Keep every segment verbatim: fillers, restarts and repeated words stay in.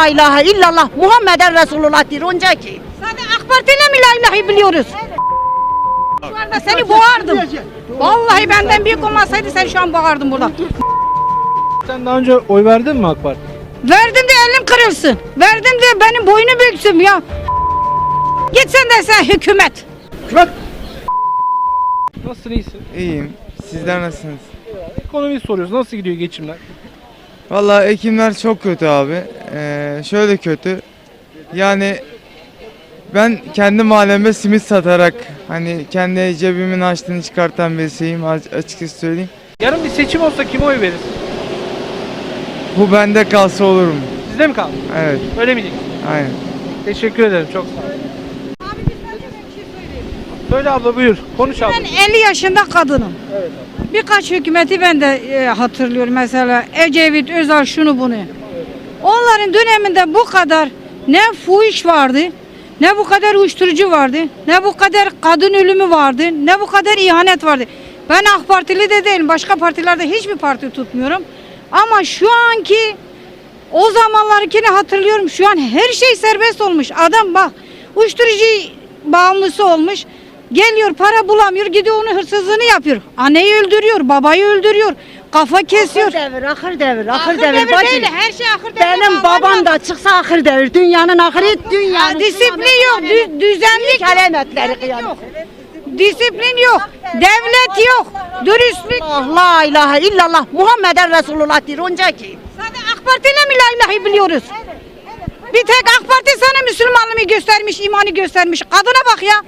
ilahe illallah Muhammeden Resulullah diyor onca ki. Sadece AK Parti ile mi la ilahi biliyoruz? Şu anda seni boğardım. Vallahi benden büyük olmasaydı sen şu an boğardın burada. Sen daha önce oy verdin mi AK Parti? Verdim de elim kırılsın. Verdim de benim boynu büksün ya. Git sen de sen hükümet. Nasılsın, iyisin? İyiyim. Sizler nasılsınız? Ekonomiyi soruyoruz. Nasıl gidiyor geçimler? Vallahi ekimler çok kötü abi. Ee, şöyle kötü. Yani ben kendi mahallemde simit satarak hani kendi cebimin açtığını çıkartan birisiyim açıkçası söyleyeyim. Yarın bir seçim olsa kime oy verirsin? Bu bende kalsa olur mu? Sizde mi kaldı? Evet. Öyle mi diyeyim? Aynen. Teşekkür ederim. Çok sağ ol. Söyle abla, buyur. Konuş abla. Ben elli yaşında kadınım. Evet abla. Birkaç hükümeti ben de e, hatırlıyorum. Mesela Ecevit, Özal, şunu bunu. Onların döneminde bu kadar ne fuhuş vardı, ne bu kadar uyuşturucu vardı, ne bu kadar kadın ölümü vardı, ne bu kadar ihanet vardı. Ben AK Partili de değilim. Başka partilerde hiçbir parti tutmuyorum. Ama şu anki o zamanlarkini hatırlıyorum. Şu an her şey serbest olmuş. Adam bak uyuşturucu bağımlısı olmuş. Geliyor para bulamıyor, gidiyor onun hırsızlığını yapıyor. Anneyi öldürüyor, babayı öldürüyor, kafa kesiyor. Ahır devir, ahır devir, ahır, Ahır devir. devir bacım. değil, her şey ahır devir. Benim babam da çıksa ahır devir. Dünyanın ahırı, dünyanın. Ya, disiplin yok, dü- düzenlik yok. Kelimetleri kıyamet. Disiplin yok, devlet yok, dürüstlük. Allah la ilahe illallah Muhammeden Resulullah diyor onca ki. Sadece AK Parti ile mi la ilahi biliyoruz? Bir tek AK Parti sana Müslümanlığı göstermiş, imanı göstermiş. Kadına bak ya.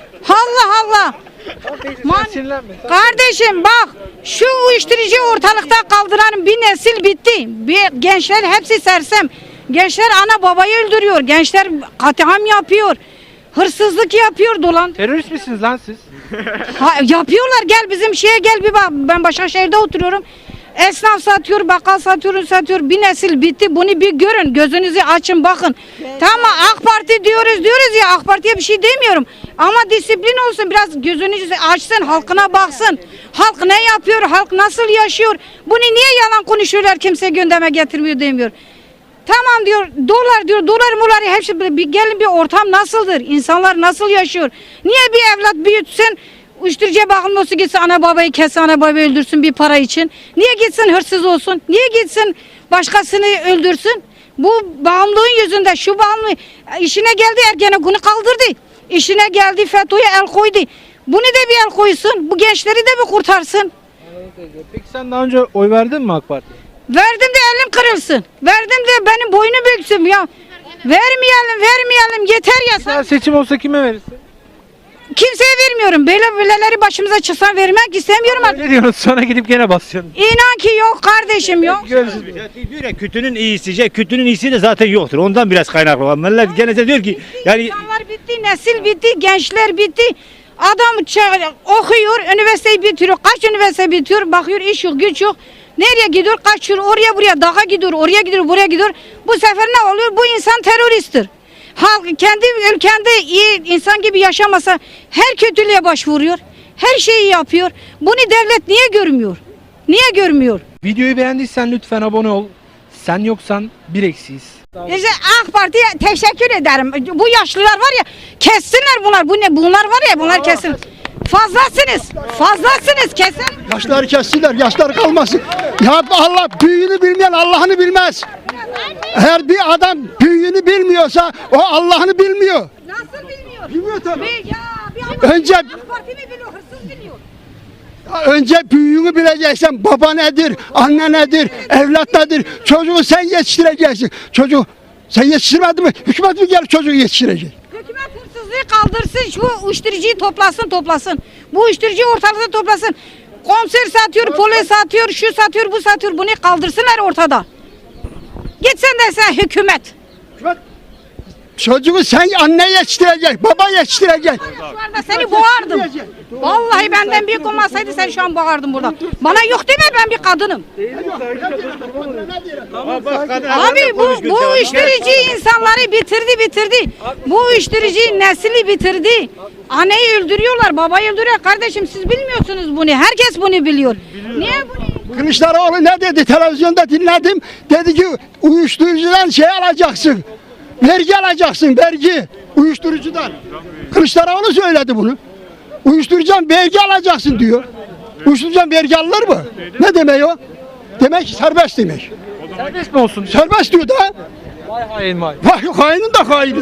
Allah Allah. Man- Sinirlenme. Sen- Kardeşim bak şu uyuşturucu ortalıkta kaldıran bir nesil bitti. Bir gençler hepsi sersem. Gençler ana babayı öldürüyor. Gençler katliam yapıyor. Hırsızlık yapıyor dolan. Terörist misiniz lan siz? Ha, yapıyorlar gel bizim şeye gel bir bak. Ben Başakşehir'de oturuyorum. Esnaf satıyor, bakkal satıyor, satıyor. Bir nesil bitti. Bunu bir görün. Gözünüzü açın bakın. Tamam AK Parti diyoruz diyoruz ya AK Parti'ye bir şey demiyorum. Ama disiplin olsun. Biraz gözünüzü açsın. Halkına baksın. Halk ne yapıyor? Halk nasıl yaşıyor? Bunu niye yalan konuşuyorlar? Kimse gündeme getirmiyor demiyor. Tamam diyor. Dolar diyor. Dolar muları hepsi bir, gelin bir ortam nasıldır? İnsanlar nasıl yaşıyor? Niye bir evlat büyütsün? Uyuşturucuya bağımlısı gitsin ana babayı kesse ana babayı öldürsün bir para için. Niye gitsin hırsız olsun? Niye gitsin başkasını öldürsün? Bu bağımlılığın yüzünde şu bağımlı işine geldi Ergenekon'u kaldırdı. İşine geldi FETÖ'ye el koydu. Bunu da bir el koysun. Bu gençleri de bir kurtarsın. Peki sen daha önce oy verdin mi AK Parti'ye? Verdim de elim kırılsın. Verdim de benim boynu büksün ya. Vermeyelim vermeyelim yeter ya. Bir daha seçim olsa kime verirsin? Kimseye vermiyorum. Böyle böyleleri başımıza çıksan vermek istemiyorum. Ne diyorsun? Sonra gidip gene basıyorsun. İnan ki yok kardeşim yok. Görüşürüz. Diyor ya kötünün iyisi, kötünün iyisi de zaten yoktur. Ondan biraz kaynaklı olan. Millet gene de diyor ki yani İnsanlar bitti, nesil bitti, gençler bitti. Adam ça- okuyor, üniversiteyi bitiriyor. Kaç üniversite bitiyor, bakıyor iş yok, güç yok. Nereye gidiyor, kaçıyor, oraya buraya, dağa gidiyor, oraya gidiyor, buraya gidiyor. Bu sefer ne oluyor? Bu insan teröristtir. Halk kendi ülkende iyi insan gibi yaşamasa her kötülüğe başvuruyor. Her şeyi yapıyor. Bunu devlet niye görmüyor? Niye görmüyor? Videoyu beğendiysen lütfen abone ol. Sen yoksan bir eksiyiz. İşte AK Parti'ye teşekkür ederim. Bu yaşlılar var ya kessinler bunlar. Bu ne? Bunlar var ya bunlar kessin. Fazlasınız. Fazlasınız kesin. Yaşları kessinler, yaşlar kalmasın. Ya Allah büyüğünü bilmeyen Allah'ını bilmez. Eğer bir adam büyüğünü bilmiyorsa o Allah'ını bilmiyor. Nasıl bilmiyor? Bilmiyor tabii. Bir, ya, bir adam Önce- AK Parti mi biliyor, hırsız biliyor. Önce büyüğünü bileceksin. Baba nedir, anne nedir, evlat nedir? Çocuğu sen yetiştireceksin. Çocuğu sen yetiştirmedin mi? Hükümet mi gelip çocuğu yetiştirecek? Hükümet hırsızlığı kaldırsın, şu uyuşturucuyu toplasın, toplasın. Bu uyuşturucuyu ortalıkta toplasın. Konser satıyor, polis satıyor, şu satıyor, bu satıyor. Bunu kaldırsınlar ortada. Gitsen de sen hükümet. Çocuğu sen anne yetiştirecek, baba yetiştirecek. Şu anda seni boğardım. Vallahi benden büyük olmasaydı sen şu an boğardın burada. Bana yok deme ben bir kadınım. Abi bu, bu uyuşturucu insanları bitirdi bitirdi. Bu uyuşturucu nesli bitirdi. Anneyi öldürüyorlar, babayı öldürüyor. Kardeşim siz bilmiyorsunuz bunu. Herkes bunu biliyor. Niye bunu Kılıçdaroğlu ne dedi? Televizyonda dinledim. Dedi ki uyuşturucudan şey alacaksın. Vergi alacaksın, vergi. Uyuşturucudan. Kılıçdaroğlu söyledi bunu. Uyuşturucudan vergi alacaksın diyor. Uyuşturucudan vergi alınır mı? Ne demek o? Demek ki serbest demek. Serbest mi olsun? Serbest diyor da. Vay hain vay. Vay hainin de haini.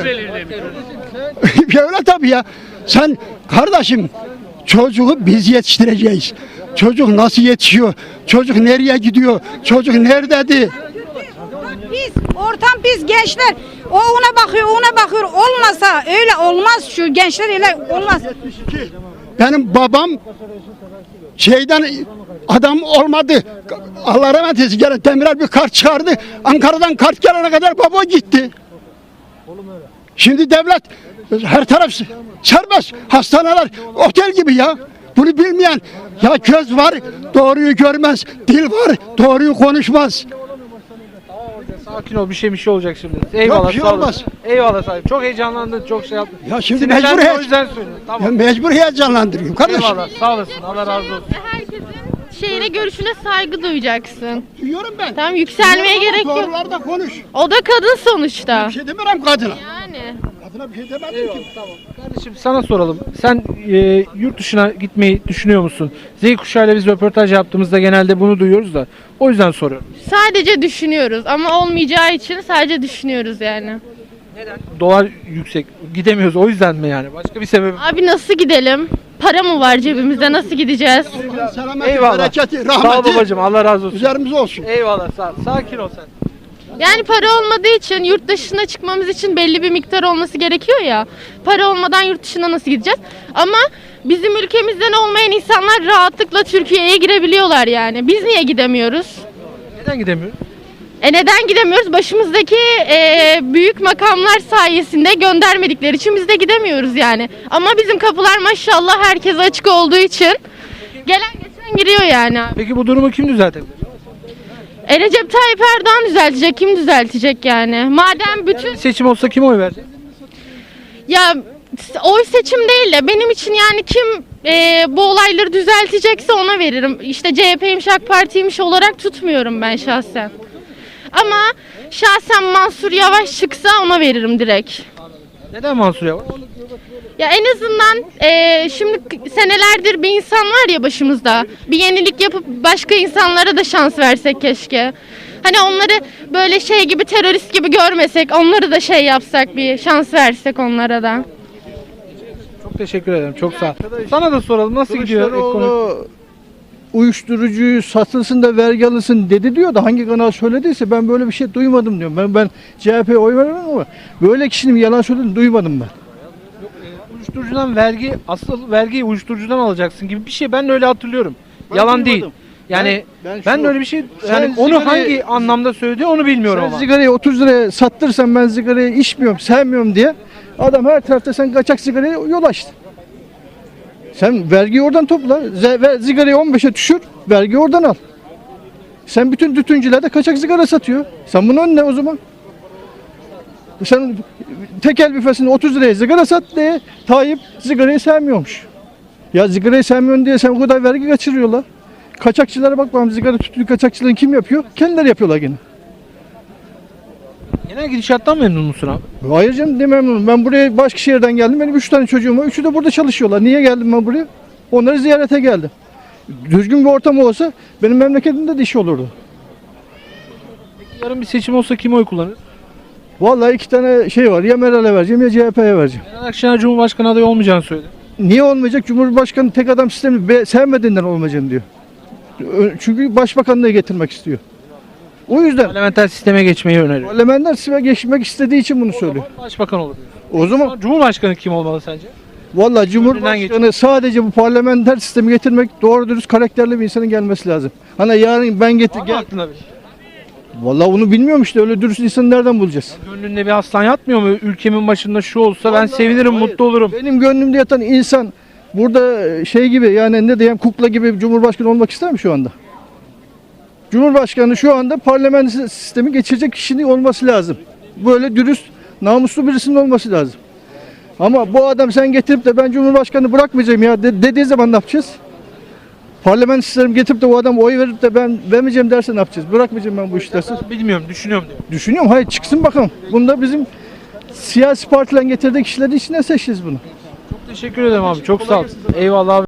Öyle tabii ya. Sen kardeşim çocuğu biz yetiştireceğiz. Çocuk nasıl yetişiyor? Çocuk nereye gidiyor? Çocuk nerededir? Pis, ortam pis gençler. O ona bakıyor, ona bakıyor. Olmasa öyle olmaz şu gençler öyle olmaz. Benim babam şeyden adam olmadı. Allah rahmet eylesin. Gene Demirel bir kart çıkardı. Ankara'dan kart gelene kadar baba gitti. Şimdi devlet her taraf serbest. Hastaneler otel gibi ya. Bunu bilmeyen ya göz var doğruyu görmez. Dil var doğruyu konuşmaz. Sakin ol, bir şey bir şey olacak şimdi. Eyvallah, bir şey sağ olasın. olmaz. Eyvallah sahip. Çok heyecanlandın, çok şey yaptın. Ya şimdi Sinirlendin, mecbur o yüzden söylüyorum. Ya Tamam. mecbur heyecanlandırıyorum kardeşim. Eyvallah, sağ olasın. Allah razı olsun. Herkesin şeyine, görüşüne saygı duyacaksın. Duyuyorum ben. Tamam, yükselmeye Duyuyorum gerek ama yok. Doğrularda konuş. O da kadın sonuçta. Bir şey demiyorum kadına. Yani. Kadına bir şey demedim ki. Kardeşim sana soralım. Sen e, yurt dışına gitmeyi düşünüyor musun? Z kuşağıyla biz röportaj yaptığımızda genelde bunu duyuyoruz da. O yüzden soruyorum. Sadece düşünüyoruz ama olmayacağı için sadece düşünüyoruz yani. Dolar yüksek. Gidemiyoruz o yüzden mi yani? Başka bir sebebi? Abi nasıl gidelim? Para mı var cebimizde? Nasıl gideceğiz? Selameti, Eyvallah. bereketi, Sağ ol rahmeti babacığım. Allah razı olsun. üzerimize olsun. Eyvallah. Sağ, sakin ol sen. Yani para olmadığı için yurt dışına çıkmamız için belli bir miktar olması gerekiyor ya. Para olmadan yurt dışına nasıl gideceğiz? Ama bizim ülkemizden olmayan insanlar rahatlıkla Türkiye'ye girebiliyorlar yani. Biz niye gidemiyoruz? Neden gidemiyoruz? E neden gidemiyoruz? Başımızdaki e, büyük makamlar sayesinde göndermedikleri için biz de gidemiyoruz yani. Ama bizim kapılar maşallah herkese açık olduğu için gelen geçen giriyor yani. Peki bu durumu kim düzeltebilir? E Recep Tayyip Erdoğan düzeltecek, kim düzeltecek yani? Madem bütün Seçim olsa kim oy verecek? ya oy seçim değil de benim için yani kim e, bu olayları düzeltecekse ona veririm. İşte C H P'ymiş, AK Parti'ymiş olarak tutmuyorum ben şahsen. Ama şahsen Mansur Yavaş çıksa ona veririm direkt. Neden Mansur Yavaş? Ya en azından e, şimdi senelerdir bir insan var ya başımızda. Bir yenilik yapıp başka insanlara da şans versek keşke. Hani onları böyle şey gibi, terörist gibi görmesek, onları da şey yapsak, bir şans versek onlara da. Çok teşekkür ederim. Çok sağ ol. Sana da soralım. Nasıl gidiyor ekonomi? Kılıçdaroğlu uyuşturucuyu satılsın da vergi alınsın dedi diyor da hangi kanal söylediyse ben böyle bir şey duymadım diyorum. Ben ben C H P'ye oy vermem ama böyle kişinin yalan söylediğini duymadım ben. Uyuşturucudan vergi, asıl vergiyi uyuşturucudan alacaksın gibi bir şey ben öyle hatırlıyorum. Yalan değil. duymadım. Yani Ben- ben, ben şu- de öyle bir şey Sen yani onu sigarayı- hangi anlamda söyledi onu bilmiyorum Sen ama. sigarayı otuz liraya sattırsan ben sigarayı içmiyorum, sevmiyorum diye adam her tarafta sen kaçak sigaraya yol açtı. Sen vergiyi oradan topla, ze- ve sigarayı on beşe düşür, vergiyi oradan al. Sen bütün tütüncüler de kaçak sigara satıyor. Sen bunun önüne o zaman. Sen tekel büfesinde otuz liraya sigara sat diye Tayyip sigarayı sevmiyormuş. Ya sigarayı sevmiyorsun diye sen o kadar vergi kaçırıyorlar. Kaçakçılara bak bakalım sigara tütün kaçakçılığını kim yapıyor? Kendileri yapıyorlar gene. Genel gidişattan memnun musun abi? Hayır canım demem. Ben buraya Başkışehir'den geldim. Benim üç tane çocuğum var. Üçü de burada çalışıyorlar. Niye geldim ben buraya? Onları ziyarete geldim. Düzgün bir ortam olsa benim memleketimde de iş olurdu. Yarın bir seçim olsa kim oy kullanır? Vallahi iki tane şey var. Ya Meral'e vereceğim ya C H P'ye vereceğim. Meral Akşener Cumhurbaşkanı adayı olmayacağını söyledi. Niye olmayacak? Cumhurbaşkanı tek adam sistemi be- sevmediğinden olmayacağını diyor. Ö- Çünkü başbakanlığı getirmek istiyor. O yüzden Parlamenter sisteme geçmeyi öneriyor. parlamenter sisteme geçmek istediği için bunu söylüyor. Başbakan olur diyor. O zaman Cumhurbaşkanı kim olmalı sence? vallahi Cumhurbaşkanı sadece bu parlamenter sistemi getirmek doğru dürüst karakterli bir insanın gelmesi lazım. Hani yarın ben getir Var mı gel. aklında bir şey? Vallahi onu bilmiyorum işte öyle dürüst insanı nereden bulacağız? Gönlünde bir aslan yatmıyor mu? Ülkemin başında şu olsa ben Vallahi sevinirim, hayır. mutlu olurum. Benim gönlümde yatan insan burada şey gibi yani ne diyeyim kukla gibi Cumhurbaşkanı olmak ister mi şu anda? Cumhurbaşkanı şu anda parlamenter sistemi geçirecek kişinin olması lazım. Böyle dürüst, namuslu birisinin olması lazım. Ama bu adam sen getirip de ben Cumhurbaşkanı bırakmayacağım ya de- dediği zaman ne yapacağız? Parlamenter sistem getirip de o adam oy verip de ben vermeyeceğim derse ne yapacağız? Bırakmayacağım ben bu işi derse. Bilmiyorum, düşünüyorum diyor. Düşünüyorum, hayır çıksın bakalım. Bunda bizim siyasi partilerin getirdiği kişileri içine seçeceğiz bunu. Çok teşekkür ederim abi. Çok sağ ol. Eyvallah abi.